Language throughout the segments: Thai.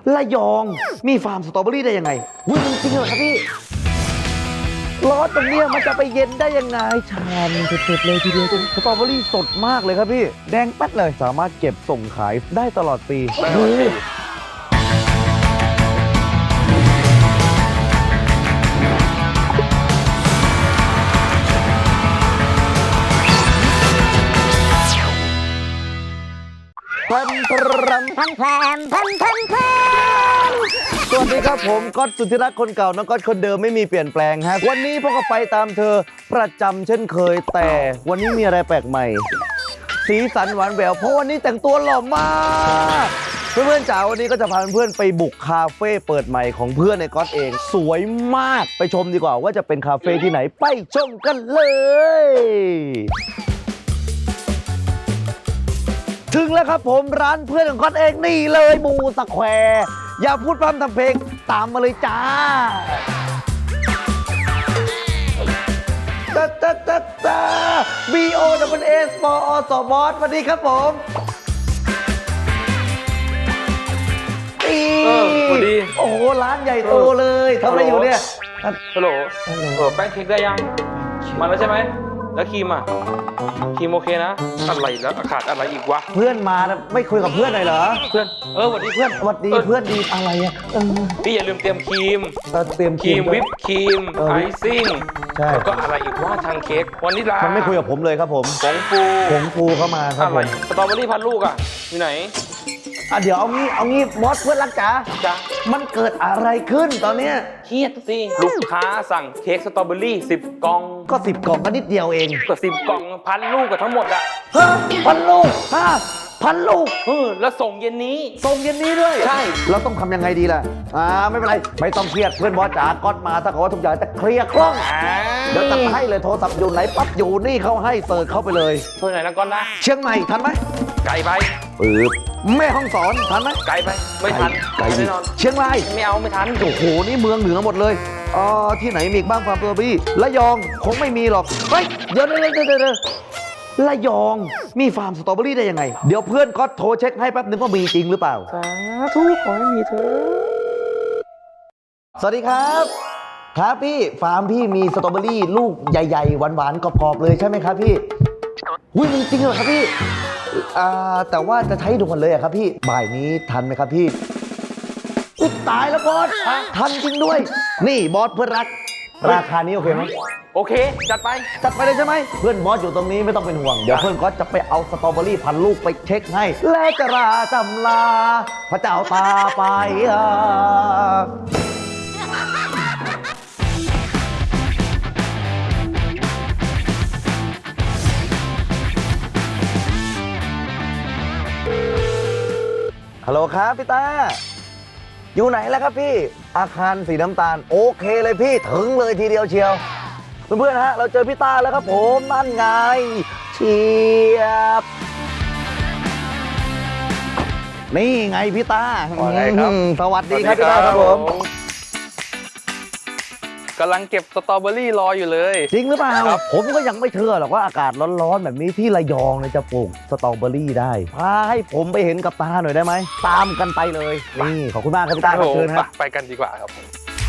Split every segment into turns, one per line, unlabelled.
ระยองมีฟาร์มสตรอเบอรี่ได้ยังไงมันจริงเหรอครับพี่ร้อนตรงเนี้ยมันจะไปเย็นได้ยังไงชามเผ็ดๆเลยทีเดียวสตรอเบอรี่สดมากเลยครับพี่แดงแป๊ดเลยสามารถเก็บส่งขายได้ตลอดปีสวัสดีครับผมก๊อตสุทธิรักษ์คนเก่าน้องก๊อตคนเดิมไม่มีเปลี่ยนแปลงฮะวันนี้พวกก็ไปตามเธอประจำเช่นเคยแต่วันนี้มีอะไรแปลกใหม่สีสันหวานแหววเพราะวันนี้แต่งตัวหล่อมากเพื่อนๆจ๋าวันนี้ก็จะพาเพื่อนไปบุกคาเฟ่เปิดใหม่ของเพื่อนในก๊อตเองสวยมากไปชมดีกว่าว่าจะเป็นคาเฟ่ที่ไหนไปชมกันเลยถึงแล้วครับผมร้านเพื่อนของก๊อตเองนี่เลยมูสแควร์อย่าพูดพร่ำทำเพลงตามมาเลยจ้าBOSS ปอสบอสสวัสดีครับผม
สวัสดี
โอ้โหร้านใหญ่โตเลยทำอะไรอยู่เนี่ย
ฮัลโหลแป้งเค้กได้ยังมาแล้วใช่ไหมแล้วครีมอ่ะครีมโอเคนะอะไรแล้วขาดอะไรอีกวะ
เพื่อนมาไม่คุยกับเพื่อนหน่อยเหรอ
เพื่อนสวัสดีเพื่อน
สวัสดีเพื่อนดีอะไรอ่ะ
พี่อย่าลืมเตรียมครีม
เตรียม
ครีมวิปครีมไอซิ่ง
ใช่
แล้วก็อะไรอีกว่าทางเค้กวานิลา
มันไม่คุยกับผมเลยครับผม
ผงฟู
เข้ามาครับผม
สตรอเบอรี่พันลูกอ่ะอยู่ไหน
เดี๋ยวเอางี้บอสเพื่อนรักจ๋ามันเกิดอะไรขึ้นตอนเนี้ย
เครียดสิลูกค้าสั่งเค้กสตรอเบอรี่10 กล่อง
ก็10 กล่องก็นิดเดียวเอง
ก็10 กล่องพันลูกกับทั้งหมดอ่ะ
1,000 ลูก1,000 ลูก
แล้วส่งเย็นนี้
ด้วย
ใช่
เราต้องทำยังไงดีล่ะไม่เป็นไรไม่ต้องเครียดเพื่อนบอสจ๋าก๊อตมาถ้าเขาว่าทุกอย่างจะเคลียร์คล่องเดี๋ยวจะให้เลยโทรศัพท์อยู่ไหนปั๊บอยู่นี่เขาให้เสิร์ชเข้าไปเลย
เพื่อนไหนนะก๊อตนะ
เชียงใหม่ทันไหม
ไกลไป
แม่ฮ่องสอนทันไหม
ไกลไปไม่ทัน
แน่นอนเชียงราย
ไม่ทัน
โอ้โหนี่เมืองเหนือหมดเลยที่ไหนมีบ้างฟาร์มสตรอเบอรี่ระยองคงไม่มีหรอกเฮ้ยเดี๋ยวระยองมีฟาร์มสตรอเบอรี่ได้ยังไงเดี๋ยวเพื่อนก็โทรเช็คให้แป๊บนึงว่ามีจริงหรือเปล่า
สาธุขอให้มีเถอะ
สวัสดีครับครับพี่ฟาร์มพี่มีสตรอเบอรี่ลูกใหญ่ๆหวานๆกรอบๆเลยใช่ไหมครับพี่มีจริงเหรอครับพี่แต่ว่าจะใช้ด่วนเลยครับพี่บ่ายนี้ทันไหมครับพี่ตายแล้วบอสทันจริงด้วยนี่บอสเพื่อนรักราคานี้โอเคไหม
โอเคจัดไป
เลยใช่ไหมเพื่อนบอสอยู่ตรงนี้ไม่ต้องเป็นห่วงเดี๋ยวเพื่อนก็จะไปเอาสตรอเบอรี่1,000 ลูกไปเช็คให้และจะราจำลาพระเจ้าตาไปฮัลโหลครับพี่ตาอยู่ไหนแล้วครับพี่อาคารสีน้ำตาลโอเคเลยพี่ถึงเลยทีเดียวเชียวเพื่อนๆฮะเราเจอพี่ตาแล้วครับผมนั่นไงเชียบนี่ไงพี่ตาสวัสดีครับพี่ตาครับผม
กำลังเก็บสตรอเบอรี่รออยู่เลย
จริงหรือเปล่าผมก็ยังไม่เชื่อหรอกว่าอากาศร้อนๆแบบนี้ที่ระยองจะปลูกสตรอเบอรี่ได้พาให้ผมไปเห็นกับตาหน่อยได้ไหมตามกันไปเลยนี่ขอบคุณมากครับพี่ตาเชิญครับ
ไปกันดีกว่าครับ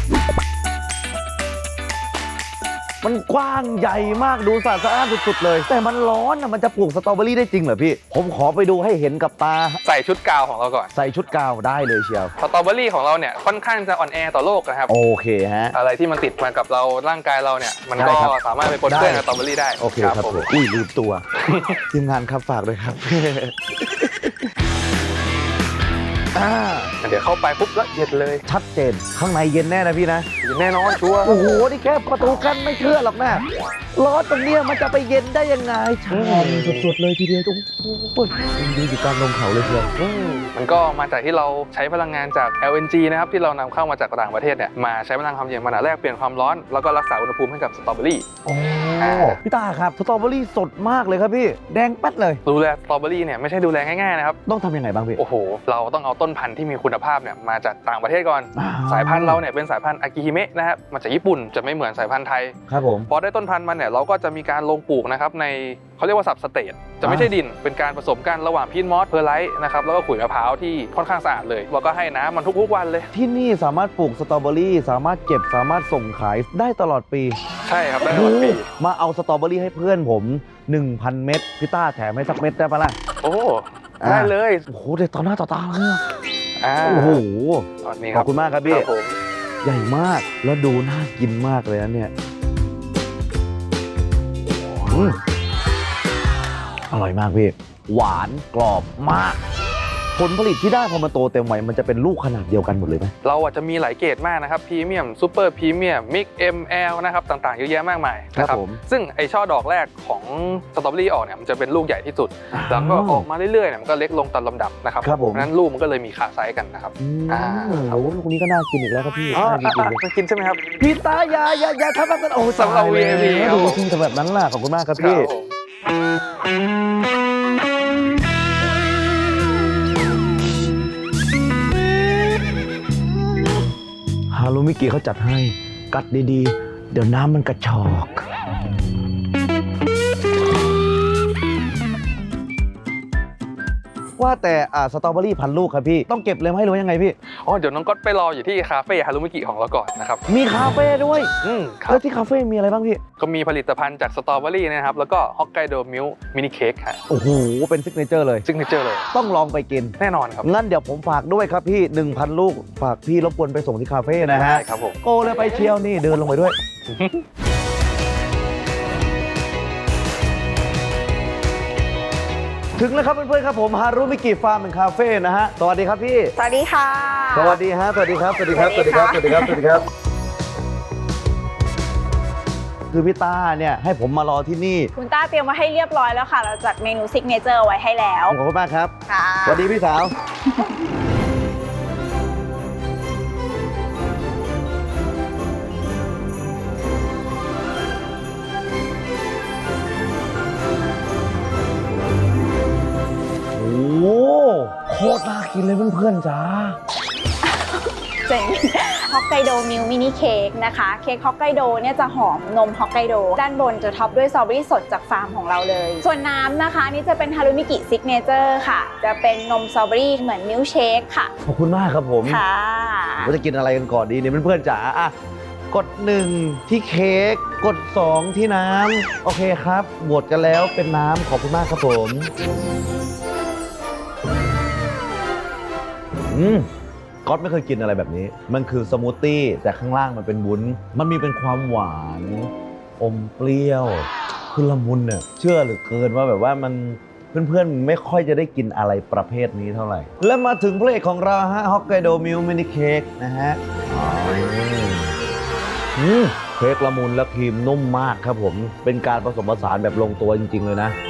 มันกว้างใหญ่มากดูสะอาดสุดๆเลยแต่มันร้อนมันจะปลูกสตรอเบอรี่ได้จริงเหรอพี่ผมขอไปดูให้เห็นกับตา
ใส่ชุดกาวของเราก่อน
ใส่ชุดกาวได้เลยเชียว
สตรอเบอรี่ของเราเนี่ยค่อนข้างจะอ่อนแอต่อโลกนะครับ
โอเคฮะ
อะไรที่มันติดมากับเราร่างกายเราเนี่ยมันก็สามารถไปปนเปื้อนสตรอเบอรี่ได้
โอเคครับผมลืมตัวทีมงานครับฝากด้วยครับ
เดี๋ยวเข้าไปปุ๊บแล้วเย็นเลย
ชัดเจนข้างในเย็นแน่นะพี่นะ
เย็นแน่นอนชัวร์
โอ้โหนี่แค่ประตูกั้นไม่เชื่อหรอกนะร้อนตรงเนี้ยมันจะไปเย็นได้ยังไงชามสุดๆเลยทีเดียวโอ้ยดูอยู่กลางลงเขาเลยเชียว
มันก็มาจากที่เราใช้พลังงานจาก LNG นะครับที่เรานำเข้ามาจากต่างประเทศเนี่ยมาใช้พลังความเย็นมาแลกเปลี่ยนความร้อนแล้วก็รักษาอุณหภูมิให้กับสตรอเบอรี่
พี่ตาครับสตรอเบอรี่สดมากเลยครับพี่แดงแป๊ดเลย
ดูแลสตรอเบอรี่เนี่ยไม่ใช่ดูแลง่ายๆนะครับ
ต้องทำยังไงบ้างพี่
โอ้โหเราต้องเอาต้นพันธุ์ที่มีคุคุณภาพเนี่ยมาจากต่างประเทศก่อนสายพันธุ์เราเนี่ยเป็นสายพันธุ์อากิฮิเมะนะครับมาจากญี่ปุ่นจะไม่เหมือนสายพันธุ์ไทย
ครับผม
พอได้ต้นพันธุ์มันเนี่ยเราก็จะมีการลงปลูกนะครับในเขาเรียกว่าซับสเตทจะไม่ใช่ดินเป็นการผสมกันระหว่างพีทมอสเพอร์ไลท์นะครับแล้วก็ขุยมะพร้าวที่ค่อนข้างสะอาดเลยเราก็ให้น้ำมันทุกๆวันเลย
ที่นี่สามารถปลูกสตรอเบอรี่สามารถเก็บสามารถส่งขายได้ตลอดปี
ใช่ครับได้ตลอดปี
มาเอาสตรอเบอรี่ให้เพื่อนผม 1,000 เม็ดพี่ต้าแถมให้สักเม็ดได้ปะล่ะ
โอ้ได้เลย
โอ้โหเด็ดต่อหน้าต่อตาเลย
โอ้
โห
ข
อบคุณมากครับพี่
ผม
ใหญ่มากแล้วดูน่ากินมากเลยนะเนี่ยอร่อยมากพี่หวานกรอบมากผลผลิตที่ได้พอมาโตเต็มวัยมันจะเป็นลูกขนาดเดียวกันหมดเลยไหม
เราอาจจะมีหลายเกรดมากนะครับพรีเมียมซูเปอร์พรีเมียมมิก ML นะครับต่างๆเยอะแยะมากมายนะครับซึ่งไอช่อดอกแรกของสตรอเบอรี่ออกเนี่ยมันจะเป็นลูกใหญ่ที่สุดแล้วก็ออกมาเรื่อยๆเนี่ยมันก็เล็กลงตามลำดับนะครับเพราะฉะนั้นลูกมันก็เลยมีขาไซส์กันนะครับ
โอ้ลูกนี้ก็น่ากินอีกแล้วครับพี่
จะกินใช่ไหมครับ
พี่ตาอย่าทำแบบโอ้
สำหรับ VIP
ดูจริงทำแบบนั้นล่ะขอบคุณมากครับพี่ฮารุมิกิเขาจัดให้กัดดีๆเดี๋ยวน้ำมันกระชอกว่าแต่สตรอเบอรี่พันลูกครับพี่ต้องเก็บเลยไหมหรือว่ายังไงพี่
เดี๋ยวน้องก๊อตไปรออยู่ที่คาเฟ่ฮารุมิกิของเราก่อนนะครับ
มีคาเฟ่ด้วยแล้วที่คาเฟ่มีอะไรบ้างพี่
ก็มีผลิตภัณฑ์จากสตรอเบอรี่นะครับแล้วก็ฮอกไกโดมิลค์มินิเค้กค่ะ
โอ้โหเป็นซิกเนเจอร์เลยต้องลองไปกิน
แน่นอนครับ
งั้นเดี๋ยวผมฝากด้วยครับพี่ 1,000 ลูกฝากพี่รบกวนไปส่งที่คาเฟ่นะฮะ
ครับผม
โกเลยไปเชียวนี่เดินลงไปด้วยถึงแล้วครับเพื่อนๆครับผมฮารุมิกิฟาร์มเป็นคาเฟ่นะฮะสวัสดีครับพี่
สวัสดีค่ะ
สวัสดีฮะสวัสดีครับสวัสดีครับสวัสดีครับสวัสดีครับสวัสดีครับคือพี่ต้าเนี่ยให้ผมมารอที่นี่
คุณต้าเตรียมมาให้เรียบร้อยแล้วค่ะเราจัดเมนูซิกเนเจอร์ไว้ให้แล้ว
ขอบคุณมากครับ
ค่ะ
สวัสดีพี่สาวโอ้โคตรน่ากินเลยเพื่อนๆจ้า
เจ๋งฮอกไกโดมิลค์มินิเค้กนะคะเค้กฮอกไกโดเนี่ยจะหอมนมฮอกไกโดด้านบนจะท็อปด้วยสตรอเบอรี่สดจากฟาร์มของเราเลยส่วนน้ำนะคะนี่จะเป็นฮารุมิกิซิกเนเจอร์ค่ะจะเป็นนมสตรอเบอรี่เหมือนมิลค์เชคค่ะ
ขอบคุณมากครับผม
ค่ะ
ว่าจะกินอะไรกันก่อนดีเนี่ยเพื่อนๆจ๋ากด1ที่เค้กกด2ที่น้ำโอเคครับบวชกันแล้วเป็นน้ำขอบคุณมากครับผมก๊อตไม่เคยกินอะไรแบบนี้มันคือสมูทตี้แต่ข้างล่างมันเป็นวุ้นมันมีเป็นความหวานอมเปรี้ยวคือละมุนเนี่ยเชื่อเหลือเกินว่าแบบว่ามันเพื่อนๆไม่ค่อยจะได้กินอะไรประเภทนี้เท่าไหร่และมาถึงพระเอกของเราฮะฮอกไกโดมิลค์มินิเค้กนะฮะเค้กละมุนและครีมนุ่มมากครับผมเป็นการผสมผสานแบบลงตัวจริงๆเลยนะ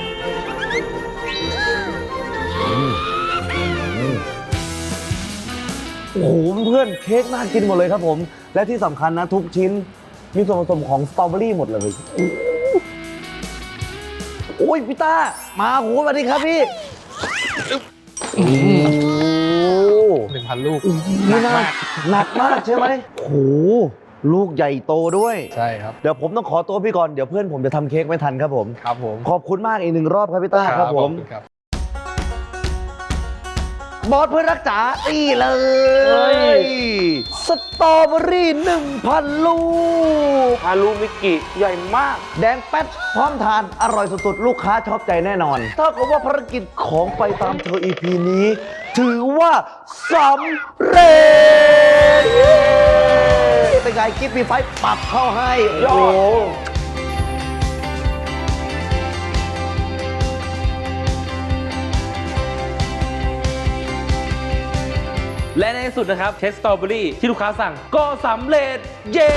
โอ้โหเพื่อนเค้กน่ากินหมดเลยครับผมและที่สำคัญนะทุกชิ้นมีส่วนผสมของสตรอเบอรี่หมดเลยโอ้ยพี่ต้ามาโหสวัสดีครับพี่
1,000 ลูก
หนักมากใช่ไหมโอ้โหลูกใหญ่โตด้วย
ใช่ครับ
เดี๋ยวผมต้องขอตัวพี่ก่อนเดี๋ยวเพื่อนผมจะทำเค้กไม่ทันครับผม
ครับผม
ขอบคุณมากอีก1 รอบครับพี่ต้าครับผมบอสเพื่อนรักจ๋าตีเลยสตรอเบอรี่ 1,000 ลูก
ฮารุมิกิใหญ่มาก
แดงแป๊ดพร้อมทานอร่อยสุดๆลูกค้าชอบใจแน่นอนถ้ากับว่าภารกิจของไปตามเธอ EP นี้ถือว่าสำเร็จเป็นไงกิ๊บมีไฟปรับเข้าให้โอ้
และในที่สุดนะครับเค้กสตรอเบอรี่ที่ลูกค้าสั่งก็สำเร็จเย้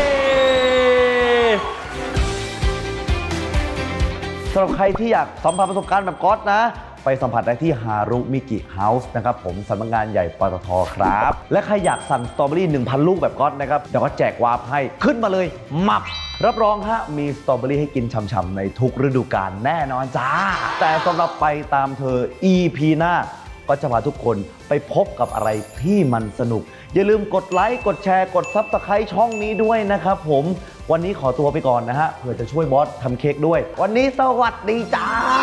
สำหรับใครที่อยากสัมผัสประสบการณ์แบบก๊อตนะไปสัมผัสได้ที่ฮารุมิกิเฮาส์นะครับผมสำนักงานใหญ่ปตท.ครับและใครอยากสั่งสตรอเบอรี่ 1,000 ลูกแบบก๊อตนะครับเดี๋ยวก็แจกวาร์ปให้ขึ้นมาเลยมับรับรองฮะมีสตรอเบอรี่ให้กินฉ่ำๆในทุกฤดูกาลแน่นอนจ้าแต่สำหรับไปตามเธอ EP หน้าก็จะพาทุกคนไปพบกับอะไรที่มันสนุกอย่าลืมกดไลค์กดแชร์กด Subscribe ช่องนี้ด้วยนะครับผมวันนี้ขอตัวไปก่อนนะฮะเพื่อจะช่วยบอสทำเค้กด้วยวันนี้สวัสดีจ้า